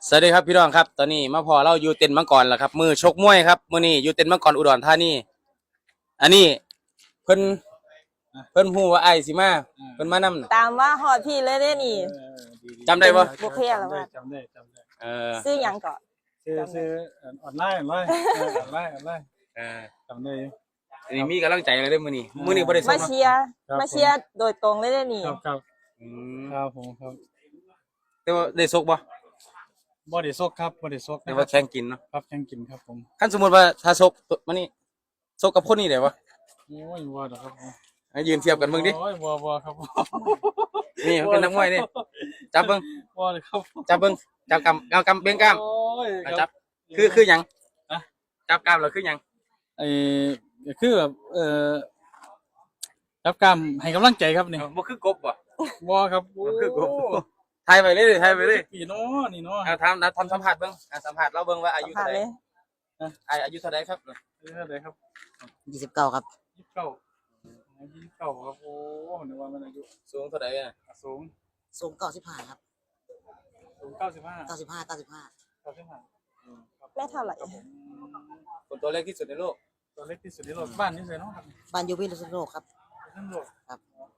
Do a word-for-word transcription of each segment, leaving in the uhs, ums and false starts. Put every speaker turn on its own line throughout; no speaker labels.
สวัสดีครับพี่น้องครับตอนนี้มาพอเราอยู่เต็นท์มังกรแล้วครับมือชกมวยครับมือนี้อยู่เต็นท์มังกรอุดรธานีอันนี้เพิ่นเพิ่นฮู้ว่าไอ้สิมาเพิ่นมานำ
ตามว่าฮอดพี่เลยเด้นี่
จำได้ปะ
บุพเพแล้วว่า
จำได้จำได้
เออ
ซื้อหยังก่อน
ซื้อซื้อออนไลน์ออนไลน์ออนไลน์ออนไลน์
เออ
จำได้
อันนี้มีกำลังใจเลยเด้อมื้อนี้มื้อนี้บ่ได้ส่ง
มาเชียร์มาเชียร์โดยตรงเลยเด้นี่
ครับครับ
อืม
ครับผมครับ
แต่ว่าได้ซกบ่
บ่ได้ซกครับบ่ได้ซก
แต่ว่าแข่งกินเนาะ
ครับแข่งกินครับผม
คันสมมุติว่าถ้าซกมื้อนี้ซกกับคนนี้ได้บ่
โอ้ยบ่ดอกครับ
ให้ยืนเทียบกันเบิ่งดิ
โอ้ยบ่บ่ครับ
นี่มันเป็นนักมวยนี่จับเบิ่ง
บ่เลยครับ
จับเบิ่งจับกำเอากำเบ่งกล้าม
โอ้ย
จับคือคือหยังจับกล้ามแล้วคือหยัง
ไอ้คือแบบเอ่อรับการให้กำลังใจครับนี่
บ่คือกบบ่
บ่ครับ
บ่คือกบถ่ายไปเลยถ่ายไปเลย
พี่น้อนี่เนาะ
เอาทำนะทำสัมผัสเบิ่งสัมผัสเราเบิ่งว่าอายุเท่าไหร่อายุเท่าไหร่ครับ
อายุเท่าไหร่ครับ
ยี่สิบเก้าครับ
ยี่สิบเก้ายี่สิบเก้าครับโอ้นึกว่ามันอายุ
สูงเท่าไหร่อ่ะ
สูง
สูงเก้าสิบห้าครับ
สูงเก้าสิบห้า
เก้าสิบห้าเก้าสิบห้า
เก้าสิบห้า
แม่เท่าไหร่
คนตัวเล็กที่สุดในโลก
ตัวเล็กที่สุดในโลกบ้านนี่เลยเนาะครับ
บ้านอยู่พิษณุโลกครับ
พิษณุโลก
ครับ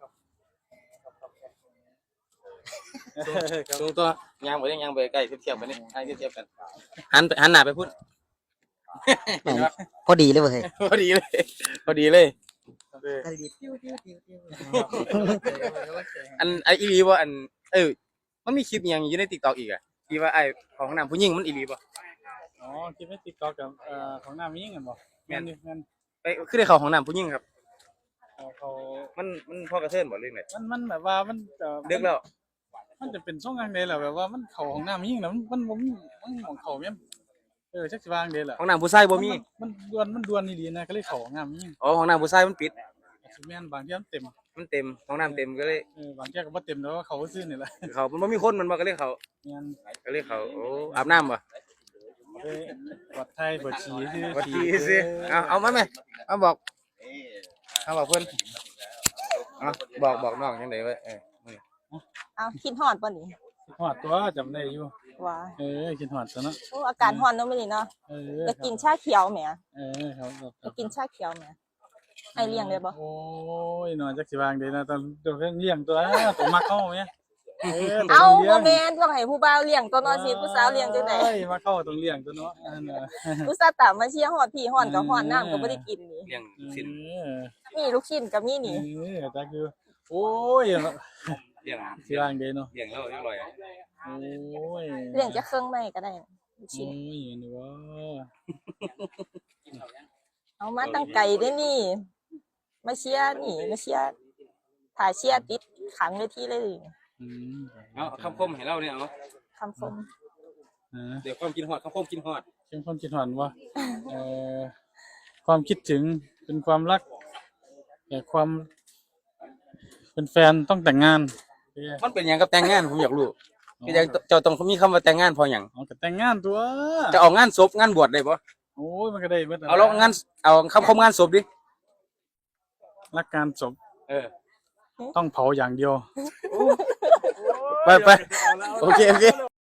สูงตัวยางไปยังยางไปใกล้เทียบกันนี่ให้เทียบกันหันหันหน้าไปพูด
พอดีเลยเว้ย
พอดีเลยพอดีเลยอันไออีลีว่าอันเออมันมีคลิปยังอยู่ใน TikTok อีกอ่ะที่ว่าไอของน้ำผู้หญิงมันอีลีป่ะ
อ๋อคลิปใน TikTok กับเอ่อของน้ำผู้หญิงกันบ่แม่นแม่น
ไปคือได้เข้าของน้ำผู้หญิงครับ
เขา
มันมันพอกระเทือนบ่เรื่องไหน
มันมันแบบว่ามัน
เด็กแล้ว
มันจะเป็นช่วงกลางเดือนแหละแบบว่ามันเข้าของน้ำผู้หญิงแล้วมันมันมันของเขาแม่นเออจักสิวางเด้แหละ
ของน้ำผู้ชายบ่มี
มันดวนมันดวนดีๆนะก็เลยเข้าของน้ำผู้หญิง
อ๋อของน้ำผู้ชายมันปิด
แม่นบางทีมันเต็ม
มันเต็มของน้ำเต็มก็เลย
เออบางแก้ก็บ่เต็มแล้วเขาซื้อนี่แหละ
เขามันบ่มีคนมันบ่ก็เลยเขา
แม่น
ก็เลยเขาโอ้อาบน้ำบ่
เออปลอดภัยบ่ฉี่ซื่อ
บ่ฉี่ซื่อเอาเอามาแม่เอาบอกเอาบอกเพิ่นเอาบอกบอกน้องจังได๋ไว้เออ
เอาคิดฮอดบ่นี่
ฮอดตัวจำได้อยู่
ว่า
เออคิดฮอดตัวเนาะ
โอ้อากาศร้อนเนาะมื้อนี้เนาะ
เออ
จะกินชาเขียวแหม
เออครับ
จะกินชาเขียวแหมให้เลี้ยงได้บ่
โอ้ยน้อยจักสิวางได้นะตอนตัวเพิ่นเลี้ยงตัวตัวมักเฮาแม่
เออเอาบ่แม่นต้องให้ผู้บ่าวเลี้ยงตัวน้อยสิผู้สาวเลี้ยงจังได๋
เอ้ยมักเฮาต้องเลี้ยงตัวเนาะอันน่ะ
ผู้สาวตามมาเชียร์ฮอดพี่ฮอดก็ฮอดน้ำก็บ่ได้กินนี่
เลี้ยงชิ้น
มีลูกชิ้นก็มีนี่
เออจักอยู่โอ้ย
เลี้ยง
สิวางได้เนาะ
เลี้ยงแล้วเรียบร้อย
โอ้ย
เลี้ยงจะเครื่องในก็ได้ลูก
ชิ้
น
โอ้ยนี่ว่า
เอามาตั้งไก่เด้นี่มาเชียร์นี่มาเชียร์ถ่ายเชียร์ติดขังเวทีเลย
อืม
เอาคำคมให้เราเนี่ยเอา
คำคม
เดี๋ยวความกินฮอดคำคมกินฮอด
เป็นความคิดฮอดว่าเอ่อความคิดถึงเป็นความรักแต่ความเป็นแฟนต้องแต่งงาน
มันเป็นหยังกับแต่งงานผมอยากรู้คือจังเจ้าต้องมีคำว่าแต่งงานพอหยัง
เอาก็แต่งงานตัว
จะเอางานศพงานบวชได้บ่
โอ้ยมันก็ได้เบิด
เอาแล้วงานเอาคำคมงานศพดิ
รักการศพ
เออ
ต้องเผาอย่างเดียว
ไปไปโอเคโอเค